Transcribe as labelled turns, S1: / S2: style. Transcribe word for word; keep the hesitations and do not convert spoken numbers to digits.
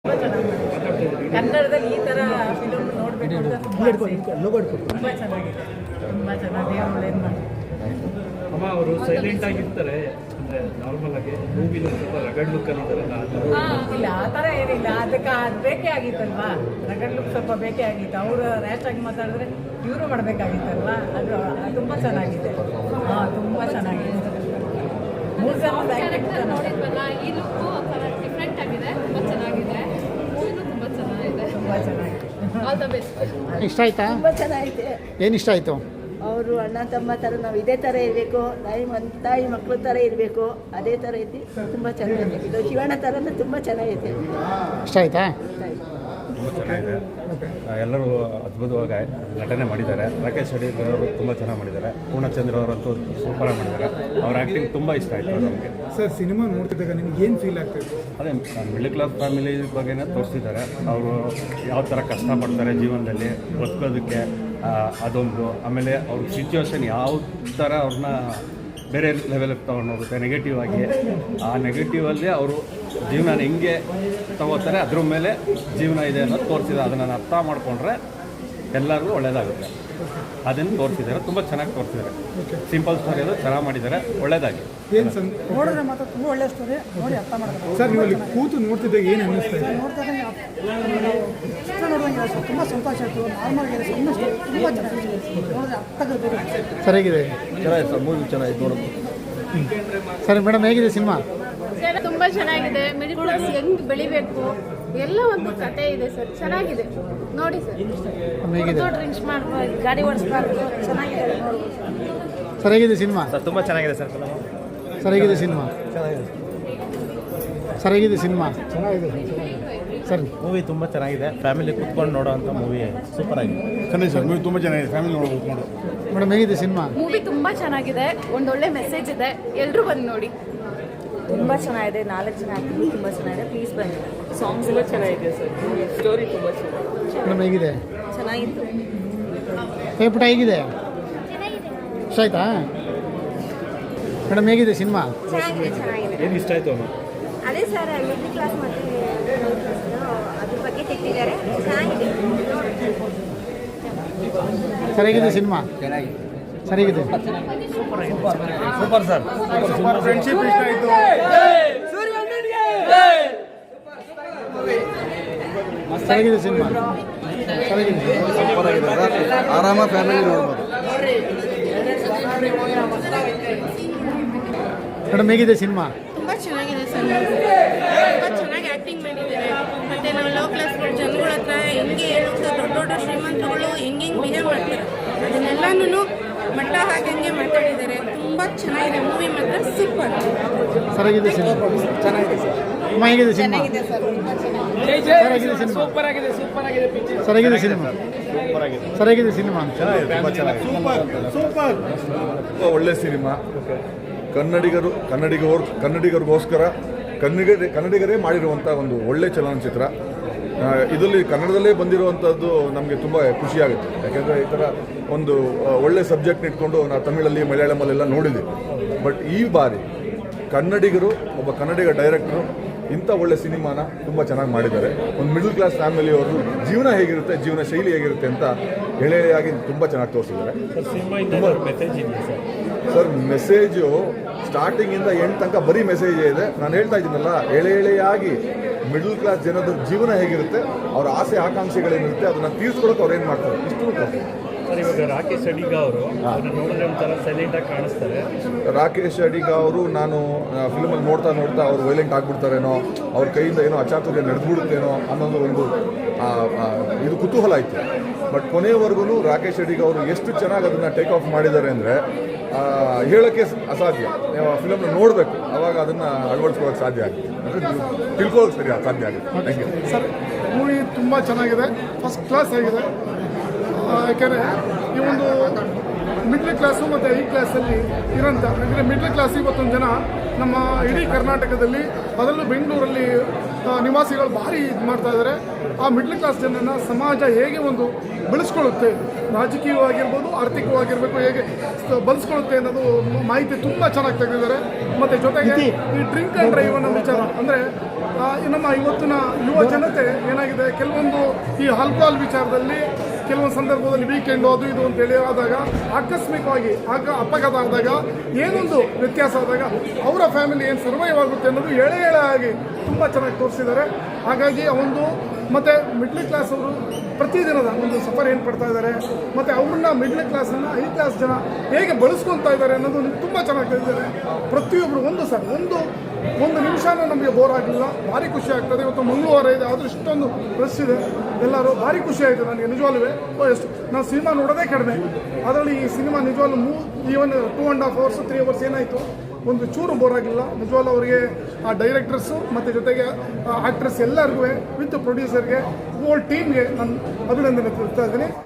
S1: ಕನ್ನಡದಲ್ಲಿ ಈ ಥರ ಫಿಲಮ್ ನೋಡಬೇಕು ಅಂತ ತುಂಬ ಚೆನ್ನಾಗಿದೆ, ತುಂಬ ಚೆನ್ನಾಗಿ ಒಳ್ಳೇದು ಮಾಡಿ.
S2: ಅಮ್ಮ ಅವರು ಸೈಲೆಂಟ್ ಆಗಿರ್ತಾರೆ, ಅಂದರೆ ನಾರ್ಮಲ್ ಆಗಿ ಮೂವಿಲಿ ಸ್ವಲ್ಪ ರಗಡ್ ಲುಕ್ ಅಲ್ಲಿದ್ದಾರಲ್ಲ.
S1: ಇಲ್ಲ ಆ ಥರ ಏನಿಲ್ಲ, ಅದಕ್ಕೆ ಅದು ಬೇಕೇ ಆಗಿತ್ತಲ್ವಾ, ರಗಡ್ ಲುಕ್ ಸ್ವಲ್ಪ ಬೇಕೇ ಆಗಿತ್ತು. ಅವರು ರ್ಯಾಶ್ ಆಗಿ ಮಾತಾಡಿದ್ರೆ ಇವರು ಮಾಡಬೇಕಾಗಿತ್ತಲ್ವಾ, ಅದು ತುಂಬ ಚೆನ್ನಾಗಿದೆ. ಹಾಂ, ತುಂಬ ಚೆನ್ನಾಗಿದೆ. ಮೂರು ಜನ
S3: ನೋಡಿದ್ವಲ್ಲ, ಈ ಲುಕ್ಕು ಒಂಥರ ಡಿಫ್ರೆಂಟ್ ಆಗಿದೆ, ತುಂಬ ಚೆನ್ನಾಗಿದೆ. ಮೂವಿನೂ ತುಂಬ ಚೆನ್ನಾಗಿದೆ,
S1: ತುಂಬ ಚೆನ್ನಾಗಿದೆ.
S3: All the best.
S4: ಇಷ್ಟ ಆಯ್ತಾ?
S5: ತುಂಬ ಚೆನ್ನಾಗಿದೆ.
S4: ಏನು ಇಷ್ಟ ಆಯಿತು?
S5: ಅವರು ಅಣ್ಣ ತಮ್ಮ ಥರ ನಾವು ಇದೇ ಥರ ಇರಬೇಕು, ತಾಯಿ ಮನ್ ತಾಯಿ ಮಕ್ಕಳ ಥರ ಇರಬೇಕು, ಅದೇ ಥರ ಐತಿ. ತುಂಬ ಚೆನ್ನಾಗಿದೆ. ಇದು ಶಿವಣ್ಣ ಥರನೇ ತುಂಬ ಚೆನ್ನಾಗೈತೆ.
S4: ಇಷ್ಟ ಆಯ್ತಾ?
S6: ತುಂಬ ಚೆನ್ನಾಗಿದೆ. ಎಲ್ಲರೂ ಅದ್ಭುತವಾಗಿ ನಟನೆ ಮಾಡಿದ್ದಾರೆ. ರಾಕೇಶ್ ಅಡಿಗ ಅವರು ತುಂಬ ಚೆನ್ನಾಗಿ ಮಾಡಿದ್ದಾರೆ. ಪೂರ್ಣಚಂದ್ರ ಅವರಂತೂ ಸೂಪರಾಗಿ ಮಾಡಿದ್ದಾರೆ. ಅವ್ರ ಆ್ಯಕ್ಟಿಂಗ್ ತುಂಬ ಇಷ್ಟ ಆಯಿತು ನಮಗೆ.
S7: ಸರ್, ಸಿನಿಮಾ ನೋಡ್ತಿದ್ದಾಗ ನಿಮ್ಗೆ ಏನು ಫೀಲ್ ಆಗ್ತಾಯಿತ್ತು?
S6: ಅದೇ ಮಿಡ್ಲ್ ಕ್ಲಾಸ್ ಫ್ಯಾಮಿಲಿ ಬಗ್ಗೆನೇ ತೋರಿಸಿದ್ದಾರೆ. ಅವರು ಯಾವ ಥರ ಕಷ್ಟಪಡ್ತಾರೆ ಜೀವನದಲ್ಲಿ ಬದುಕೋದಕ್ಕೆ, ಅದೊಂದು. ಆಮೇಲೆ ಅವ್ರ ಸಿಚುವೇಶನ್ ಯಾವ ಥರ ಅವ್ರನ್ನ ಬೇರೆ ಲೆವೆಲಿಗೆ ತೊಗೊಂಡೋಗುತ್ತೆ ನೆಗೆಟಿವ್ ಆಗಿ. ಆ ನೆಗೆಟಿವಲ್ಲಿ ಅವರು ಜೀವನ ಹೆಂಗೆ ತಗೋತಾರೆ ಅದ್ರ ಮೇಲೆ ಜೀವನ ಇದೆ ಅನ್ನೋದು ತೋರಿಸಿದ್ದಾರೆ. ಅದನ್ನು ಅರ್ಥ ಮಾಡಿಕೊಂಡ್ರೆ ಎಲ್ಲರಿಗೂ ಒಳ್ಳೆಯದಾಗುತ್ತೆ. ಅದನ್ನು ತೋರಿಸಿದ್ದಾರೆ, ತುಂಬ ಚೆನ್ನಾಗಿ ತೋರಿಸಿದ್ದಾರೆ. ಸಿಂಪಲ್ ಸ್ಟೋರಿ ಅದು ಚೆನ್ನಾಗಿ ಮಾಡಿದ್ದಾರೆ, ಒಳ್ಳೆಯದಾಗಿ.
S7: ಏನು ಸರ್
S8: ನೋಡಿದ್ರೆ ಮಾತ್ರ ತುಂಬ ಒಳ್ಳೆ ಸ್ಟೋರಿ, ನೋಡಿ ಅರ್ಥ ಮಾಡ್ತಾರೆ.
S7: ಸರ್, ನೀವು ಅಲ್ಲಿ ಕೂತು ನೋಡ್ತಿದ್ದಾಗ ಏನು ಅನ್ನಿಸ್ತಾ ಇದೆ?
S8: ನೋಡ್ತಾರೆ ಇಷ್ಟ ನೋಡುವಂಗೆ ಸರ್, ತುಂಬ ಸಂತೋಷ ಆಯಿತು. ನಾರ್ಮಲ್ ಆಗಿದೆ, ಸಣ್ಣ ಸ್ಟೋರಿ ತುಂಬ ಚೆನ್ನಾಗಿದೆ, ನೋಡಿದ್ರೆ ಅರ್ಥ ಆಗುತ್ತೆ.
S4: ಸರಿಯಾಗಿದೆ,
S6: ಚೆನ್ನಾಗಿದೆ ಸರ್, ಮೂವಿ ಚೆನ್ನಾಗಿದೆ ನೋಡೋದು.
S4: ಸರಿ ಮೇಡಮ್, ಹೇಗಿದೆ ಸಿನಿಮಾ?
S3: ತುಂಬ ಚೆನ್ನಾಗಿದೆ. ಮಿಡಿಲ್ ಕ್ಲಾಸ್ ಹೆಂಗೆ ಬೆಳಿಬೇಕು ಎಲ್ಲ ಒಂದು ಕತೆ ಇದೆ ಸರ್, ಚೆನ್ನಾಗಿದೆ ನೋಡಿ ಸರ್.
S4: ಹೇಗಿದೆ?
S3: ಡ್ರಿಂಕ್ಸ್ ಮಾಡ್ಬೋದು, ಗಾಡಿ ಓಡಿಸ್ಬಾರ್ದು, ಚೆನ್ನಾಗಿದೆ ನೋಡ್ಬೋದು.
S4: ಸರಿಯಾಗಿದೆ ಸಿನಿಮಾ?
S6: ಸರ್ ತುಂಬ ಚೆನ್ನಾಗಿದೆ ಸರ್.
S4: ಸರಿಯಾಗಿದೆ ಸಿನಿಮಾ? ಸರಿಯಾಗಿದೆ ಸಿನಿಮಾ? ಸರಿ,
S6: ಮೂವಿ ತುಂಬ ಚೆನ್ನಾಗಿದೆ. ಫ್ಯಾಮಿಲಿ ಕೂತ್ಕೊಂಡು ನೋಡೋವಂಥ ಮೂವಿ ಸೂಪರ್ ಆಗಿದೆ.
S7: ಚೆನ್ನಾಗಿ ಸರ್, ಮೂವಿ ತುಂಬ ಚೆನ್ನಾಗಿದೆ. ಫ್ಯಾಮಿಲಿ ನೋಡ್ಬೋದು ನೋಡಿ.
S4: ಮೇಡಮ್, ಹೇಗಿದೆ ಸಿನಿಮಾ?
S3: ಮೂವಿ ತುಂಬ ಚೆನ್ನಾಗಿದೆ, ಒಂದೊಳ್ಳೆ ಮೆಸೇಜ್ ಇದೆ, ಎಲ್ಲರೂ ಬಂದು ನೋಡಿ.
S5: ತುಂಬ ಚೆನ್ನಾಗಿದೆ. ನಾಲ್ಕು ಜನ ಆ್ಯಕ್ಟಿಂಗ್ ತುಂಬ ಚೆನ್ನಾಗಿದೆ. ಪ್ಲೀಸ್ ಬನ್ನಿ.
S1: ಸಾಂಗ್ಸ್ ಎಲ್ಲ ಚೆನ್ನಾಗಿದೆ ಸರ್, ಸ್ಟೋರಿ ತುಂಬ ಚೆನ್ನಾಗಿದೆ.
S4: ಮೇಡಮ್, ಹೇಗಿದೆ?
S5: ಚೆನ್ನಾಗಿತ್ತು.
S4: ಏ ಪುಟ, ಹೇಗಿದೆ? ಇಷ್ಟ ಆಯ್ತಾ? ಮೇಡಮ್, ಹೇಗಿದೆ ಸಿನಿಮಾ?
S5: ಚೆನ್ನಾಗಿದೆ, ಚೆನ್ನಾಗಿದೆ.
S6: ಏನು ಇಷ್ಟ ಆಯಿತು ಅಮ್ಮ?
S5: ಅದೇ ಸರ್, ಮಿಡ್ಲ್ ಕ್ಲಾಸ್ ಮತ್ತು ಅದ್ರ ಬಗ್ಗೆ ತೆಗೆದಿದ್ದಾರೆ. ಚೆನ್ನಾಗಿದೆ.
S4: ಸರಿಯಾಗಿದೆ ಸಿನಿಮಾ? ಸರಿಯಾಗಿದೆ.
S6: Super sir.
S7: ಫ್ರೆಂಡ್ಶಿಪ್ ಇಷ್ಟ ಆಯಿತು.
S4: ಸರಿಯಾಗಿದೆ ಸಿನಿಮಾ? ಸರಿಯಾಗಿದೆ.
S6: ಸೂಪರ್ ಆಗಿದೆ ಸರ್, ಆರಾಮ ಫ್ಯಾಮಿಲಿ ನೋಡ್ಬೋದು.
S4: ಮೇಡಮ್, ಹೇಗಿದೆ ಸಿನಿಮಾ?
S3: ತುಂಬ ಚೆನ್ನಾಗಿದೆ ಸರ್, ತುಂಬ ಚೆನ್ನಾಗಿ ಆ್ಯಕ್ಟಿಂಗ್ ಮಾಡಿದ್ದಾರೆ. ಮತ್ತು ನಾವು ಲೋ ಕ್ಲಾಸ್ ಜನಗಳ ಹತ್ರ ಹೆಂಗೆ ಹೇಳುತ್ತೆ, ದೊಡ್ಡ ದೊಡ್ಡ ಶ್ರೀಮಂತರುಗಳು ಹೆಂಗೆ ಹೆಂಗೆ ಬಿಹೇವ್ ಮಾಡ್ತಾರೆ ಅದನ್ನೆಲ್ಲನೂ ಮಟ್ಟ ಹಾಕಂಗೆ ಮಾತಾಡಿದ್ದಾರೆ. ತುಂಬ ಚೆನ್ನಾಗಿದೆ ಮೂವಿ, ಮಾತ್ರ ಸೂಪರ್.
S4: ಸರಿಯಾಗಿದೆ ಸಿನಿಮಾ? ಚೆನ್ನಾಗಿದೆ ಸರ್. ಅಮ್ಮ, ಹೇಗಿದೆ ಸಿನಿಮಾ? ಸರಿಯಾಗಿದೆ ಸಿನಿಮಾ?
S2: ಸೂಪರ್ ಆಗಿದೆ, ಸೂಪರ್ ಆಗಿದೆ ಪಿಕ್ಚರ್.
S4: ಸರಿಯಾಗಿದೆ ಸಿನಿಮಾ? ಸರಿಯಾಗಿದೆ ಸಿನಿಮಾ?
S7: ಸೂಪರ್.
S9: ಒಳ್ಳೆ ಸಿನಿಮಾ. ಕನ್ನಡಿಗರು ಕನ್ನಡಿಗರು ಕನ್ನಡಿಗರಿಗೋಸ್ಕರ ಕನ್ನಡಿಗ ಕನ್ನಡಿಗರೇ ಮಾಡಿರುವಂಥ ಒಂದು ಒಳ್ಳೆ ಚಲನಚಿತ್ರ. ಇದರಲ್ಲಿ ಕನ್ನಡದಲ್ಲೇ ಬಂದಿರುವಂಥದ್ದು ನಮಗೆ ತುಂಬ ಖುಷಿಯಾಗುತ್ತೆ. ಯಾಕೆಂದರೆ ಈ ಥರ ಒಂದು ಒಳ್ಳೆ ಸಬ್ಜೆಕ್ಟ್ ಇಟ್ಕೊಂಡು ನಾವು ತಮಿಳಲ್ಲಿ ಮಲಯಾಳಮಲ್ಲೆಲ್ಲ ನೋಡಿದ್ದೀವಿ. ಬಟ್ ಈ ಬಾರಿ ಕನ್ನಡಿಗರು, ಒಬ್ಬ ಕನ್ನಡಿಗ ಡೈರೆಕ್ಟ್ರು ಇಂಥ ಒಳ್ಳೆ ಸಿನಿಮಾನ ತುಂಬ ಚೆನ್ನಾಗಿ ಮಾಡಿದ್ದಾರೆ. ಒಂದು ಮಿಡಲ್ ಕ್ಲಾಸ್ ಫ್ಯಾಮಿಲಿಯವರು ಜೀವನ ಹೇಗಿರುತ್ತೆ, ಜೀವನ ಶೈಲಿ ಹೇಗಿರುತ್ತೆ ಅಂತ ಎಳೆಯಾಗಿ ತುಂಬ ಚೆನ್ನಾಗಿ ತೋರಿಸಿದ್ದಾರೆ. ಸರ್, ಮೆಸೇಜು ಸ್ಟಾರ್ಟಿಂಗಿಂದ ಎಂಟು ತನಕ ಬರೀ ಮೆಸೇಜ್ ಇದೆ. ನಾನು ಹೇಳ್ತಾ ಇದ್ದೀನಲ್ಲ, ಎಳೆ ಎಳೆಯಾಗಿ ಮಿಡಲ್ ಕ್ಲಾಸ್ ಜನದ ಜೀವನ ಹೇಗಿರುತ್ತೆ, ಅವರ ಆಸೆ ಆಕಾಂಕ್ಷೆಗಳೇನಿರುತ್ತೆ ಅದನ್ನು ತೀರ್ಸ್ಕೊಳಕ್ಕೆ ಅವ್ರು ಏನು ಮಾಡ್ತಾರೆ ಇಷ್ಟು ತೋರಿಸ್ತಾರೆ.
S2: ಸರ್, ಇವಾಗ ರಾಕೇಶ್ ಅಡಿಗ ಅವರು ನೋಡಿದ್ರೆ ಒಂಥರ ಸೈಲೆಂಟಾಗಿ ಕಾಣಿಸ್ತಾರೆ.
S9: ರಾಕೇಶ್ ಅಡಿಗ ಅವರು ನಾನು ಫಿಲ್ಮಲ್ಲಿ ನೋಡ್ತಾ ನೋಡ್ತಾ ಅವ್ರು ವೈಲೆಂಟ್ ಆಗಿಬಿಡ್ತಾರೇನೋ, ಅವ್ರ ಕೈಯಿಂದ ಏನೋ ಅಚಾತುರ್ಯ ನಡೆದ್ಬಿಡುತ್ತೇನೋ ಅನ್ನೋದು ಒಂದು ಇದು ಕುತೂಹಲ ಆಯಿತು. ಬಟ್ ಕೊನೆಯವರೆಗೂ ರಾಕೇಶ್ ಅಡಿಗ ಅವರು ಎಷ್ಟು ಚೆನ್ನಾಗಿ ಅದನ್ನು ಟೇಕ್ ಆಫ್ ಮಾಡಿದ್ದಾರೆ ಅಂದರೆ ಹೇಳೋಕ್ಕೆ ಅಸಾಧ್ಯ. ನೀವು ಫಿಲಮ್ನ ನೋಡಬೇಕು, ಆವಾಗ ಅದನ್ನು ಅಳವಡಿಸ್ಕೊಳ್ಳೋಕೆ ಸಾಧ್ಯ ಆಗುತ್ತೆ, ಅಂದರೆ ತಿಳ್ಕೊಳ್ಳೋಕೆ ಸರಿ ಸಾಧ್ಯ ಆಗುತ್ತೆ. Thank you
S7: sir. ಮೂವಿ ತುಂಬ ಚೆನ್ನಾಗಿದೆ, ಫಸ್ಟ್ ಕ್ಲಾಸ್ ಆಗಿದೆ. ಯಾಕೆಂದರೆ ಈ ಒಂದು ಮಿಡ್ಲ್ ಕ್ಲಾಸು ಮತ್ತು ಹೈ ಕ್ಲಾಸಲ್ಲಿ ಇರೋಂಥ, ಯಾಕಂದರೆ ಮಿಡ್ಲ್ ಕ್ಲಾಸ್ ಇವತ್ತೊಂದು ಜನ ನಮ್ಮ ಇಡೀ ಕರ್ನಾಟಕದಲ್ಲಿ, ಅದರಲ್ಲೂ ಬೆಂಗಳೂರಲ್ಲಿ ನಿವಾಸಿಗಳು ಭಾರಿ ಇದು ಮಾಡ್ತಾ ಇದ್ದಾರೆ. ಆ ಮಿಡ್ಲ್ ಕ್ಲಾಸ್ ಜನರನ್ನು ಸಮಾಜ ಹೇಗೆ ಒಂದು ಬೆಳೆಸ್ಕೊಳ್ಳುತ್ತೆ, ರಾಜಕೀಯವಾಗಿರ್ಬೋದು, ಆರ್ಥಿಕವಾಗಿರಬೇಕು, ಹೇಗೆ ಬಳಸ್ಕೊಳ್ಳುತ್ತೆ ಅನ್ನೋದು ಮಾಹಿತಿ ತುಂಬ ಚೆನ್ನಾಗಿ ತೆಗೆದಿದ್ದಾರೆ. ಮತ್ತು ಜೊತೆಗೆ ಈ ಡ್ರಿಂಕ್ ಆ್ಯಂಡ್ ಡ್ರೈವ್ ಅನ್ನೋ ವಿಚಾರ, ಅಂದರೆ ಆ, ನಮ್ಮ ಇವತ್ತಿನ ಯುವ ಜನತೆ ಏನಾಗಿದೆ, ಕೆಲವೊಂದು ಈ ಆಲ್ಕೋಹಾಲ್ ವಿಚಾರದಲ್ಲಿ ಕೆಲವೊಂದು ಸಂದರ್ಭದಲ್ಲಿ ವೀಕೆಂಡು ಅದು ಇದು ಅಂತೇಳಿ ಆದಾಗ ಆಕಸ್ಮಿಕವಾಗಿ ಆಗ ಅಪಘಾತ ಆದಾಗ ಏನೊಂದು ವ್ಯತ್ಯಾಸ ಆದಾಗ ಅವರ ಫ್ಯಾಮಿಲಿ ಏನು ಸರ್ವೈವ್ ಆಗುತ್ತೆ ಅನ್ನೋದು ಎಳೆ ಎಳೆ ಆಗಿ ತುಂಬ ಚೆನ್ನಾಗಿ ತೋರಿಸಿದ್ದಾರೆ. ಹಾಗಾಗಿ ಆ ಒಂದು ಮತ್ತು ಮಿಡ್ಲ್ ಕ್ಲಾಸ್ ಅವರು ಪ್ರತಿದಿನದ ಒಂದು ಸಫರ್ ಏನು ಪಡ್ತಾ ಇದ್ದಾರೆ, ಮತ್ತು ಅವ್ರನ್ನ ಮಿಡ್ಲ್ ಕ್ಲಾಸನ್ನು ಹೈ ಕ್ಲಾಸ್ ಜನ ಹೇಗೆ ಬಳಸ್ಕೊತಾ ಇದ್ದಾರೆ ಅನ್ನೋದು ತುಂಬ ಚೆನ್ನಾಗಿ ತಿಳಿದಿದ್ದಾರೆ. ಪ್ರತಿಯೊಬ್ಬರು ಒಂದು ಸರ್ ಒಂದು ಒಂದು ನಿಮಿಷನೂ ನಮಗೆ ಬೋರ್ ಆಗಲಿಲ್ಲ, ಭಾರಿ ಖುಷಿ ಆಗ್ತದೆ. ಇವತ್ತು ಮಂಗಳವಾರ ಇದೆ, ಆದರೂ ಇಷ್ಟೊಂದು ರಶ್ ಇದೆ, ಎಲ್ಲರೂ ಭಾರಿ ಖುಷಿ ಆಯಿತು ನನಗೆ ನಿಜವಾಗ್ಲೂ. ಎಷ್ಟು ನಾವು ಸಿನಿಮಾ ನೋಡೋದೇ ಕಡಿಮೆ, ಅದರಲ್ಲಿ ಈ ಸಿನಿಮಾ ನಿಜವಾಗ್ಲೂ ಮೂ even two and half hours three hours ಏನಾಯಿತು, ಒಂದು ಚೂರು ಬೋರ್ ಆಗಿಲ್ಲ ನಿಜವಾಗ್ಲೂ. ಅವರಿಗೆ ಆ ಡೈರೆಕ್ಟರ್ಸು ಮತ್ತು ಜೊತೆಗೆ ಆ್ಯಕ್ಟ್ರೆಸ್ ಎಲ್ಲರಿಗೂ ವಿತ್ ಪ್ರೊಡ್ಯೂಸರ್ಗೆ ಹೋಲ್ ಟೀಮ್ಗೆ ನಾನು ಅಭಿನಂದನೆ ತಿಳಿಸ್ತಾ ಇದ್ದೀನಿ.